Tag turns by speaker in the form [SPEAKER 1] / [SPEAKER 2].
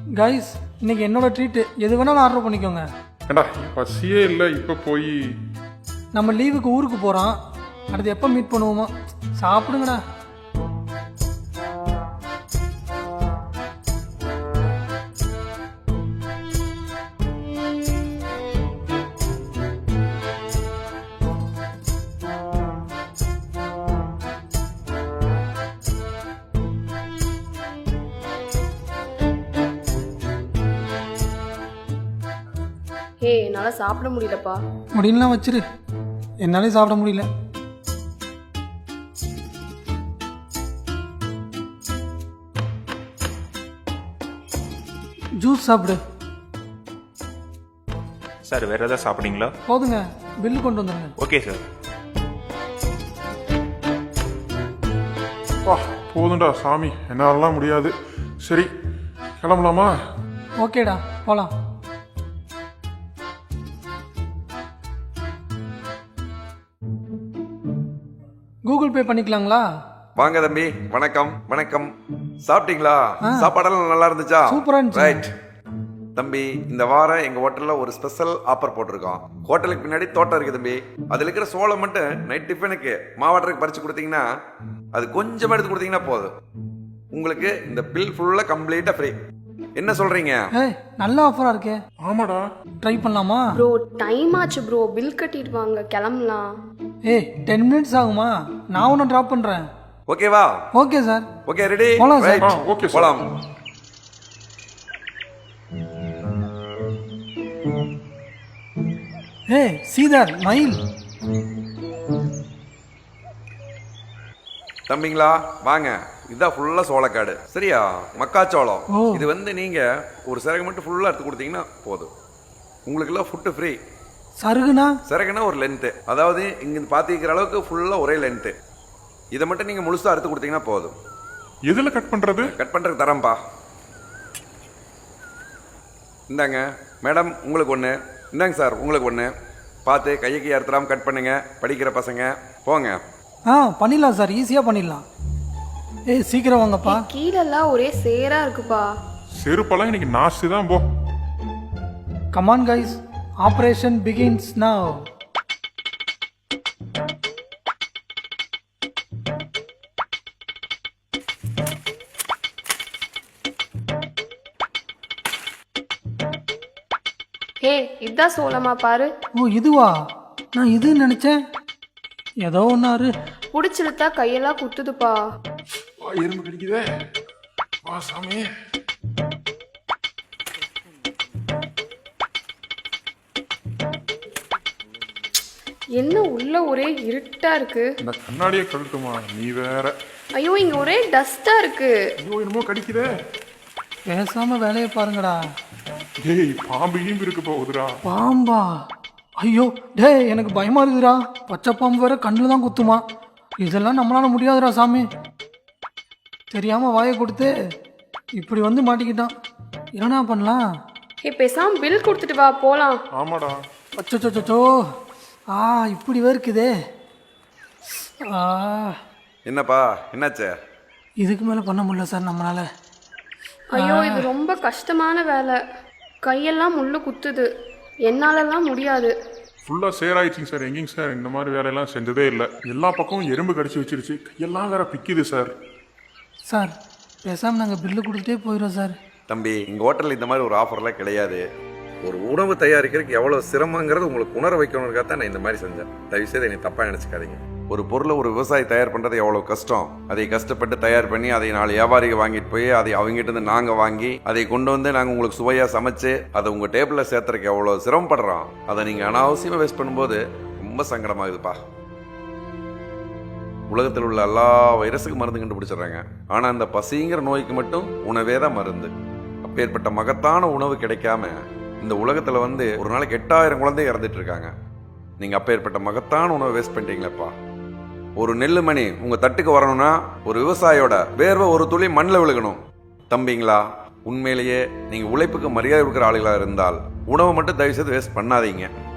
[SPEAKER 1] Guys இன்னைக்கு என்னோட treat எது வேணாலும் ஆர்டர் பண்ணிக்கோங்க.
[SPEAKER 2] ஏண்டா பசியே இல்லை இப்போ போய்.
[SPEAKER 1] நம்ம லீவுக்கு ஊருக்கு போகிறோம், அடுத்து எப்போ மீட் பண்ணுவோமோ. சாப்பிடுங்கடா.
[SPEAKER 3] என்னால சாப்பிட முடியலப்பா.
[SPEAKER 1] முடியலாம் வச்சிரு, என்னாலே சாப்பிட முடியல. ஜூஸ் சாப்பிடு.
[SPEAKER 4] சார் வேற ஏதாவது சாப்பிட்றீங்களா?
[SPEAKER 1] போதுங்க, பில்லு கொண்டு வந்துடுங்க.
[SPEAKER 4] Okay sir.
[SPEAKER 2] வா போதும்டா சாமி, என்னாலலாம் முடியாது. சரி கிளம்பலாமா?
[SPEAKER 1] ஓகேடா போகலாம். கூகுள் பே பண்ணிக்கலாங்களா?
[SPEAKER 5] வாங்க தம்பி, வணக்கம் வணக்கம். சாப்பிட்டீங்களா? சாப்பாடெல்லாம் நல்லா இருந்துச்சா?
[SPEAKER 1] சூப்பரா இருந்துச்சு.
[SPEAKER 5] ரைட் தம்பி, இந்த வாரம் எங்க ஹோட்டல்ல ஒரு ஸ்பெஷல் ஆஃபர் போட்டிருக்கோம். ஹோட்டலுக்கு பின்னாடி தோட்டம் இருக்கு தம்பி. அதுல இருக்கிற சோளம் மட்டும் நைட் டிஃபனுக்கு மாவாட்டருக்கு பறிச்சு கொடுத்தீங்கன்னா, அது கொஞ்சமா எடுத்து கொடுத்தீங்கன்னா போதும், உங்களுக்கு இந்த பில் ஃபுல்லா கம்ப்ளீட்டா ஃப்ரீ. என்ன சொல்றீங்க?
[SPEAKER 1] ஏய் நல்ல ஆஃபரா இருக்கே.
[SPEAKER 2] ஆமாடா.
[SPEAKER 1] ட்ரை பண்ணலாமா?
[SPEAKER 3] ப்ரோ டைம் ஆச்சு ப்ரோ, பில் கட்டிட்டு வாங்க, கிளம்பலாம்.
[SPEAKER 1] ஏய் 10 மினிட்ஸ் ஆகுமா? நான் ஒன்று ட்ராப் பண்ணுறேன்.
[SPEAKER 5] ஓகேவா?
[SPEAKER 1] Okay sir.
[SPEAKER 5] Okay ready?
[SPEAKER 1] போலாம் சார்.
[SPEAKER 2] Okay sir.
[SPEAKER 5] போலாம்.
[SPEAKER 1] ஏய் சீதர் மயில்.
[SPEAKER 5] தம்பிங்களா வாங்க, இதுதான் ஃபுல்லா சோளக்காடு. சரியா? மக்காச்சோளம். இது வந்து நீங்க ஒரு சிறகு மட்டும் ஃபுல்லா எடுத்து கொடுத்தீங்கன்னா போதும், உங்களுக்கு எல்லாம் ஃபுட்டு ஃப்ரீ.
[SPEAKER 1] சருகுனா?
[SPEAKER 5] சிறகுனா ஒரு லென்த்து, அதாவது இங்க பாத்திக்கிற அளவுக்கு ஃபுல்லா ஒரே லென்த்து. இதை மட்டும் நீங்க முழுசா அறுத்து கொடுத்தீங்கன்னா போதும்.
[SPEAKER 2] எதுல கட் பண்றது?
[SPEAKER 5] கட் பண்றதுக்கு தரம்பா. இந்தாங்க மேடம் உங்களுக்கு ஒன்று, இந்தாங்க சார் உங்களுக்கு ஒன்று. பார்த்து கையை அறுத்துறாம கட் பண்ணுங்க, படிக்கிற பசங்க போங்க.
[SPEAKER 1] பண்ணிடலாம் சார், ஈஸியாக பண்ணிடலாம். ஏய் சீக்கிரம் வாங்கப்பா.
[SPEAKER 3] கீழெல்லாம் ஒரே சேரா இருக்குப்பா.
[SPEAKER 2] செருப்பெல்லாம் இன்னைக்கு நாஸ்தி தான் போ.
[SPEAKER 1] Come on guys, operation begins now.
[SPEAKER 3] இதான் சோளமா பாரு.
[SPEAKER 1] ஓ இதுவா? நான் இதுன்னு நினைச்சேன். ஏதோ ஒன்னாரு
[SPEAKER 3] புடிச்சிருத்தா கையெல்லாம் குத்துதுப்பா.
[SPEAKER 2] எறும்பு கடிக்குதே. வா சாமி.
[SPEAKER 3] என்ன உள்ள ஒரே இருட்டா இருக்கு.
[SPEAKER 2] இந்த கண்ணாடியே கழட்டுமா நீ வேற.
[SPEAKER 3] ஐயோ இங்க ஒரே டஸ்டா இருக்கு.
[SPEAKER 2] ஐயோ என்னமோ கடிக்குதே.
[SPEAKER 1] பேசாம வேலையை பாருங்கடா.
[SPEAKER 2] டேய் பாம்பு ஈம்பு இருக்கு போகுதுடா.
[SPEAKER 1] பாம்பா? ஐயோ டேய் எனக்கு பயமா இருக்குதுடா. பச்சை பாம்பு வேற கண்ணில் தான் குத்துமா. இதெல்லாம் நம்மளால முடியாதுடா சாமி. தெரியாம வாயை கொடுத்து இப்படி வந்து மாட்டிக்கிட்டான். என்னடா பண்ணலாம்?
[SPEAKER 3] பேசாம பில் கொடுத்துட்டு வா போலாம்.
[SPEAKER 2] ஆமாடா.
[SPEAKER 1] அச்சோ இப்படி வேர்க்குதே.
[SPEAKER 5] என்னப்பா என்னாச்சு?
[SPEAKER 1] இதுக்கு மேலே பண்ண முடியல சார் நம்மளால.
[SPEAKER 3] ஐயோ இது ரொம்ப கஷ்டமான வேலை, கையெல்லாம் முள்ளு குத்துது, என்னாலலாம் முடியாது.
[SPEAKER 2] ஃபுல்லாக சேராயிடுச்சிங்க சார். எங்கேங்க சார் இந்த மாதிரி வேலையெல்லாம் செஞ்சதே இல்லை. எல்லா பக்கமும் எறும்பு கடிச்சு வச்சிருச்சு, கையெல்லாம் வேற பிக்குது சார்.
[SPEAKER 1] சார் பேசாமல் நாங்கள் பில்லு கொடுத்துட்டே போயிடுறோம் சார்.
[SPEAKER 5] தம்பி எங்கள் ஹோட்டலில் இந்த மாதிரி ஒரு ஆஃபர்லாம் கிடையாது. ஒரு உணவு தயாரிக்கிறதுக்கு எவ்வளோ சிரமங்கிறது உங்களுக்கு உணர வைக்கணுங்கிறத தான் நான் இந்த மாதிரி செஞ்சேன். தயவுசெய்து என்னை தப்பாக நினச்சிக்காதீங்க. ஒரு பொருளை ஒரு விவசாயி தயார் பண்ணுறது எவ்வளோ கஷ்டம். அதை கஷ்டப்பட்டு தயார் பண்ணி அதை 4 வியாபாரிகள் வாங்கிட்டு போய் அதை அவங்ககிட்ட இருந்து நாங்கள் வாங்கி அதை கொண்டு வந்து நாங்கள் உங்களுக்கு சுவையாக சமைச்சு அதை உங்கள் டேபிளில் சேர்த்துறதுக்கு எவ்வளோ சிரமப்படுறோம். அதை நீங்கள் அனாவசியமாக வேஸ்ட் பண்ணும்போது ரொம்ப சங்கடமாகுதுப்பா. உலகத்தில் உள்ள எல்லா வைரஸுக்கும் மருந்து கண்டுபிடிச்சிடுறாங்க, ஆனால் அந்த பசிங்கிற நோய்க்கு மட்டும் உணவே தான் மருந்து. அப்பேற்பட்ட மகத்தான உணவு கிடைக்காம இந்த உலகத்தில் வந்து ஒரு நாளைக்கு 8000 குழந்தை இறந்துட்டு இருக்காங்க. நீங்கள் அப்பேற்பட்ட மகத்தான உணவை வேஸ்ட் பண்ணிட்டீங்களேப்பா. ஒரு நெல்லு மணி உங்கள் தட்டுக்கு வரணும்னா ஒரு விவசாயியோட வேர்வை ஒரு துளி மண்ணில் விழுகணும். தம்பிங்களா உண்மையிலேயே நீங்கள் உழைப்புக்கு மரியாதை கொடுக்குற ஆளுகளாக இருந்தால் உணவை மட்டும் தயவுசெய்து வேஸ்ட் பண்ணாதீங்க.